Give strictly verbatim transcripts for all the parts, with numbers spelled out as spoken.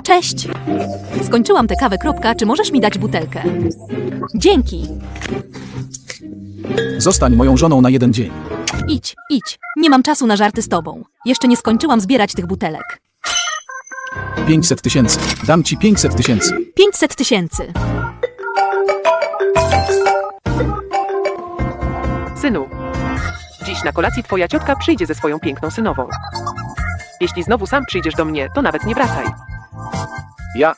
Cześć! Skończyłam tę kawę, kropka. Czy możesz mi dać butelkę? Dzięki! Zostań moją żoną na jeden dzień. Idź, idź. Nie mam czasu na żarty z tobą. Jeszcze nie skończyłam zbierać tych butelek. pięćset tysięcy. Dam ci pięćset tysięcy. pięćset tysięcy. Synu, dziś na kolacji twoja ciotka przyjdzie ze swoją piękną synową. Jeśli znowu sam przyjdziesz do mnie, to nawet nie wracaj. Ja...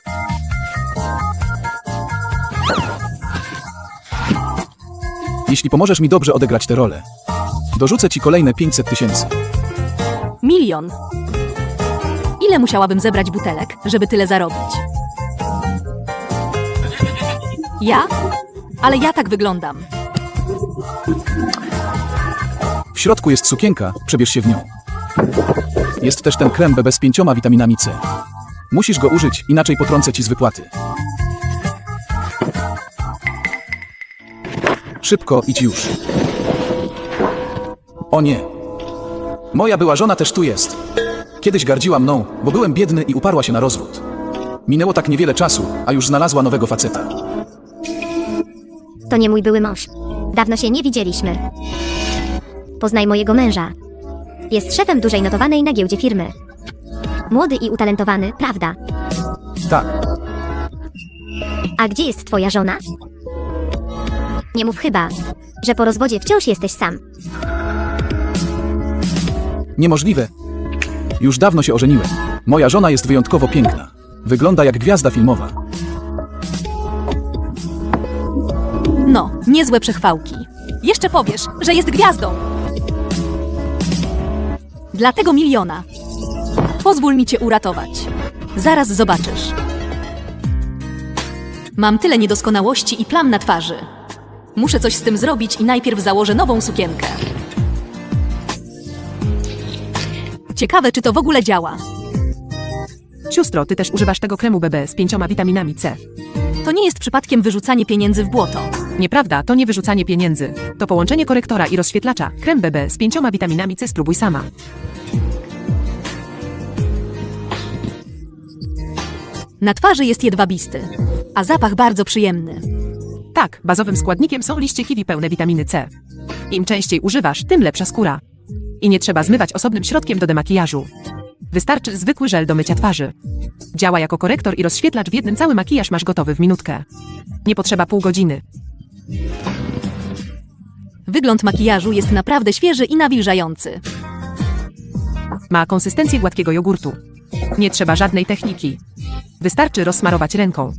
Jeśli pomożesz mi dobrze odegrać tę rolę, dorzucę ci kolejne pięćset tysięcy. Milion. Ile musiałabym zebrać butelek, żeby tyle zarobić? Ja? Ale ja tak wyglądam. W środku jest sukienka, przebierz się w nią. Jest też ten krem B B z pięcioma witaminami C. Musisz go użyć, inaczej potrącę ci z wypłaty. Szybko, idź już. O nie. Moja była żona też tu jest. Kiedyś gardziła mną, bo byłem biedny i uparła się na rozwód. Minęło tak niewiele czasu, a już znalazła nowego faceta. To nie mój były mąż. Dawno się nie widzieliśmy. Poznaj mojego męża. Jest szefem dużej notowanej na giełdzie firmy. Młody i utalentowany, prawda? Tak, A gdzie jest twoja żona? Nie mów chyba, że po rozwodzie wciąż jesteś sam. niemożliwe. Już dawno się ożeniłem. Moja żona jest wyjątkowo piękna. Wygląda jak gwiazda filmowa. No, niezłe przechwałki. Jeszcze powiesz, że jest gwiazdą. Dla tego miliona. Pozwól mi cię uratować. Zaraz zobaczysz. Mam tyle niedoskonałości i plam na twarzy. Muszę coś z tym zrobić i najpierw założę nową sukienkę. Ciekawe, czy to w ogóle działa. Siostro, ty też używasz tego kremu B B z pięcioma witaminami C. To nie jest przypadkiem wyrzucanie pieniędzy w błoto. Nieprawda, to nie wyrzucanie pieniędzy. To połączenie korektora i rozświetlacza. Krem B B z pięcioma witaminami C, spróbuj sama. Na twarzy jest jedwabisty, a zapach bardzo przyjemny. Tak, bazowym składnikiem są liście kiwi pełne witaminy C. Im częściej używasz, tym lepsza skóra. I nie trzeba zmywać osobnym środkiem do demakijażu. Wystarczy zwykły żel do mycia twarzy. Działa jako korektor i rozświetlacz w jednym, cały makijaż masz gotowy w minutkę. Nie potrzeba pół godziny. Wygląd makijażu jest naprawdę świeży i nawilżający. Ma konsystencję gładkiego jogurtu. Nie trzeba żadnej techniki. Wystarczy rozsmarować ręką.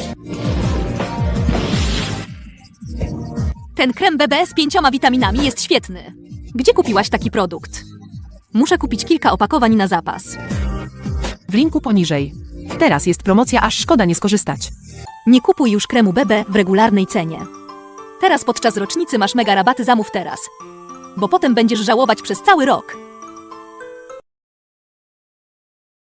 Ten krem B B z pięcioma witaminami jest świetny. Gdzie kupiłaś taki produkt? Muszę kupić kilka opakowań na zapas. W linku poniżej. Teraz jest promocja, aż szkoda nie skorzystać. Nie kupuj już kremu B B w regularnej cenie. Teraz podczas rocznicy masz mega rabaty, zamów teraz. Bo potem będziesz żałować przez cały rok.